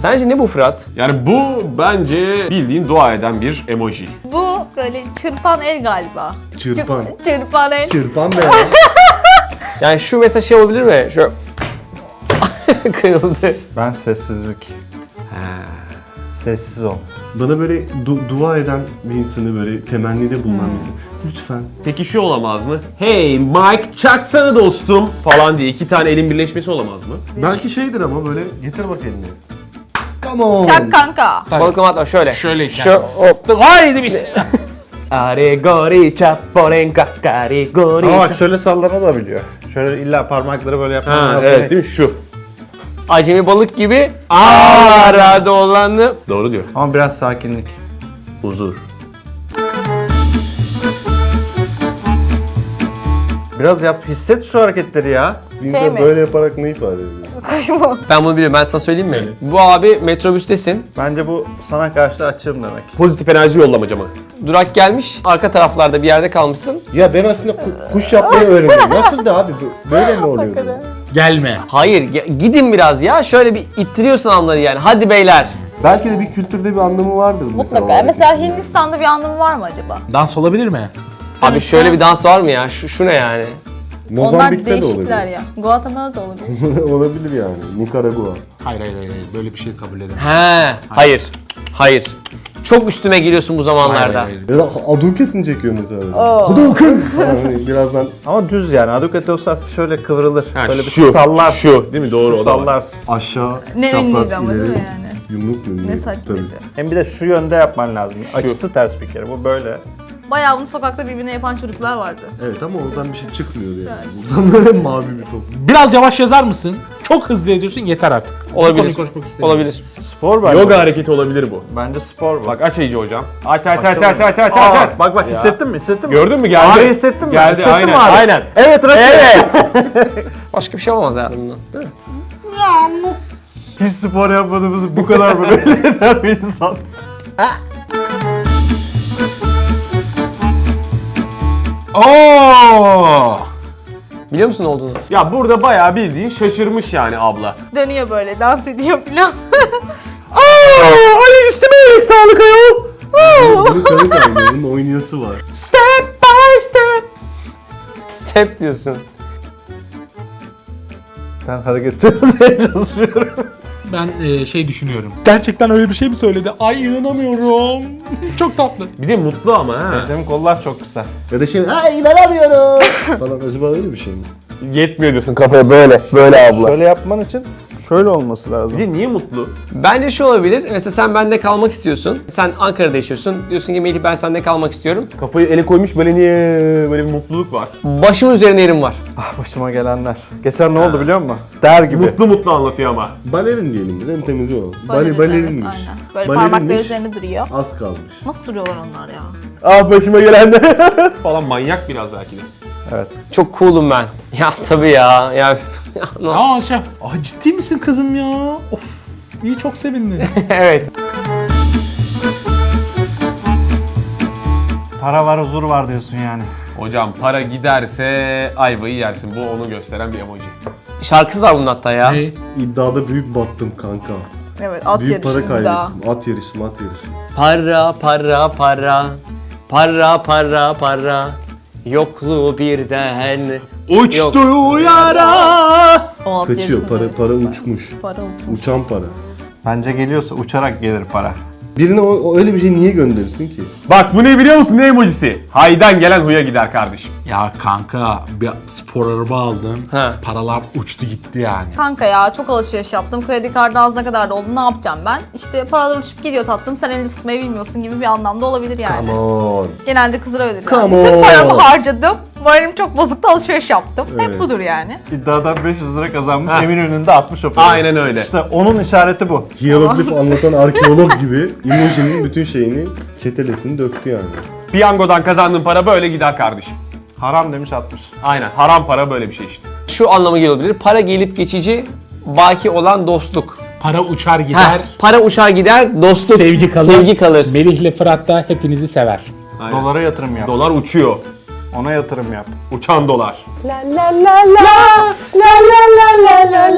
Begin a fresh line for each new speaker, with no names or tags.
Sence ne bu Fırat?
Yani bu bence bildiğin dua eden bir emoji.
Bu böyle çırpan el galiba.
Çırpan.
Çırpan el.
Çırpan ne ya?
Yani şu mesela şey olabilir mi? Şu kırıldı.
Ben sessizlik. Sessiz ol.
Bana böyle dua eden bir insanı böyle temennide bulunan bir insan. Lütfen.
Peki şu olamaz mı? Hey Mike çaksana dostum falan diye 2 tane elin birleşmesi olamaz mı?
Belki şeydir ama böyle getir bak elini. Come on.
Çak kanka.
Balıklama atma şöyle.
Şöyle
Şu hop. Haydi bismillah. Arigori chaporenka karigori.
Ama bak şöyle sallanabiliyor. Şöyle illa parmakları böyle yapman
Ha
lazım.
evet değil mi şu?
Acemi balık gibi arada olanı.
Doğru diyor.
Ama biraz sakinlik.
Huzur.
Biraz yap, hisset şu hareketleri ya.
Bir insan
Şey mi?
böyle yaparak ne ifade ediyor?
Kuş mu?
Ben bunu biliyorum. Ben sana söyleyeyim mi?
Söyle.
Bu abi metrobüstesin.
Bence bu sana karşı açığım demek.
Pozitif enerji yollamacı mı?
Durak gelmiş. Arka taraflarda bir yerde kalmışsın.
Ya ben aslında kuş yapmayı öğrendim. Nasıl da abi böyle mi oluyordu?
Gelme.
Hayır gidin biraz ya. Şöyle bir ittiriyorsun anları yani. Hadi beyler.
Belki de bir kültürde bir anlamı vardır mesela.
Mutlaka. Mesela Hindistan'da bir anlamı var mı acaba?
Dans olabilir mi?
Abi şöyle bir dans var mı ya? Şu ne yani?
Onlar
Mozambik'te de
değişikler
olabilir.
ya. Guatemala'da da olabilir.
Olabilir yani. Nikaragua.
Hayır. Böyle bir şey kabul edemem.
He. Hayır. Hayır. Çok üstüme geliyorsun bu zamanlarda.
Hayır.
Ya da Hadouken mi çekiyor mesela?
Oo.
Hadouken! Yani birazdan
Ama düz yani. Aduket olsa şöyle kıvrılır.
Ha,
böyle bir
şu,
sallar.
şu, değil mi? Doğru,
Şu
o da var.
sallarsın.
aşağı
Ne
çapraz
ünlüydü ama değil
ileri,
mi yani?
Yumruk mu?
Ne saçmaydı.
Hem bir de şu yönde yapman lazım. Açısı ters bir kere. Bu böyle.
Bayağı bunu sokakta birbirine yapan çocuklar vardı.
Evet ama oradan bir şey çıkmıyordu yani. Buradan böyle mavi bir top.
Biraz yavaş yazar mısın? Çok hızlı yazıyorsun yeter artık. Bu
Olabilir.
konuyu konuşmak istemiyorum.
Olabilir.
Spor bence.
Yoga hareketi olabilir bu.
Bence spor bu.
Bak aç iyice hocam. Aç.
Aa, bak hissettin mi? Hissettin mi?
Gördün mü geldi?
Ağrı hissettin mi?
Geldi
Hissettin
aynen.
mi ağrı?
Aynen.
Evet Rakip.
Evet. Başka bir şey olmaz hayatımdan. Değil mi?
Hiç spor yapmadığımızı bu kadar mı belli eder bir insan?
Oo!
Biliyor musun ne olduğunu?
Ya burada bayağı bildiğin şaşırmış yani abla.
Dönüyor böyle, dans ediyor falan.
Ay üstüme iyilik sağlık ayol.
Bunun kanı kaynıyor. Bunun oynayası var.
Step by step. Step diyorsun.
Ben hareket etmeye çalışıyorum.
Ben şey düşünüyorum. Gerçekten öyle bir şey mi söyledi? Ay inanamıyorum. Çok tatlı.
Bir de mutlu ama ha.
Senin kollar çok kısa.
Ya da şey, ay inanamıyorum falan. Acaba öyle bir şey mi?
Yetmiyor diyorsun kafaya böyle. Böyle abla.
Şöyle yapman için şöyle olması lazım.
Bir de niye mutlu?
Bence şu olabilir. Mesela sen bende kalmak istiyorsun. Sen Ankara'da yaşıyorsun. Diyorsun ki Melih ben sende kalmak istiyorum.
Kafayı ele koymuş böyle niye böyle bir mutluluk var.
Başımın üzerine yerim var.
Ah başıma gelenler. Geçen ne oldu biliyor musun? Der gibi.
Mutlu anlatıyor ama.
Balerin diyelim biz. En temizi o.
Evet,
Balerinmiş.
aynen. Böyle
Balerinmiş.
parmakları üzerine duruyor.
Az kalmış.
Nasıl duruyorlar onlar ya?
Ah başıma gelenler. falan manyak biraz belki de.
Evet.
Çok cool'um ben. Ya tabii ya. Ya
Aa şey. Aa ciddi misin kızım ya? Of. İyi çok sevindim.
evet.
Para var huzur var diyorsun yani.
Hocam para giderse ayvayı yersin. Bu onu gösteren bir emoji.
Şarkısı var bunun hatta ya.
Ne?
İddiada büyük battım kanka.
Evet, at
Büyük para
yarışı daha.
kaybettim. At yarışı, mat yarışı.
Para para para. Para para para. Yokluğu birden.
Uçtu yara.
O at
Kaçıyor.
yarışında
Para
evet.
uçmuş.
Para uçmuş.
Uçan para.
Bence geliyorsa uçarak gelir para.
Birine öyle bir şey niye gönderirsin ki?
Bak bu ne biliyor musun? Ne emojisi? Haydan gelen huya gider kardeşim.
Ya kanka bir spor araba aldım.
Ha.
Paralar uçtu gitti yani.
Kanka ya çok alışveriş yaptım. Kredi kartı ağzına kadar doldu. Ne yapacağım ben? İşte paralar uçup gidiyor tatlım. Sen elini tutmayı bilmiyorsun gibi bir anlamda olabilir yani.
Come on.
Genelde kızlar öyledir.
Come
Bütün
on.
paramı harcadım. Moralim çok bozuktu, alışveriş yaptım.
Evet.
Hep budur yani.
İddiadan 500 lira kazanmış,
Ha.
Eminönü'nde 60 o para.
Aynen öyle.
İşte onun işareti bu.
Hieroglif anlatan arkeolog gibi emojinin bütün şeyini, çetelesini döktü yani.
Piyangodan kazandığın para böyle gider kardeşim.
Haram demiş 60.
Aynen. Haram para böyle bir şey işte.
Şu anlama gelebilir. Para gelip geçici, baki olan dostluk.
Para uçar
Ha,
gider.
para uçar gider, dostluk.
Sevgi kalır.
Sevgi kalır.
Melih'le Fırat da hepinizi sever.
Aynen.
Dolara yatırım yap.
Dolar uçuyor.
Ona yatırım yap.
Uçan dolar.
La la la la la la la la la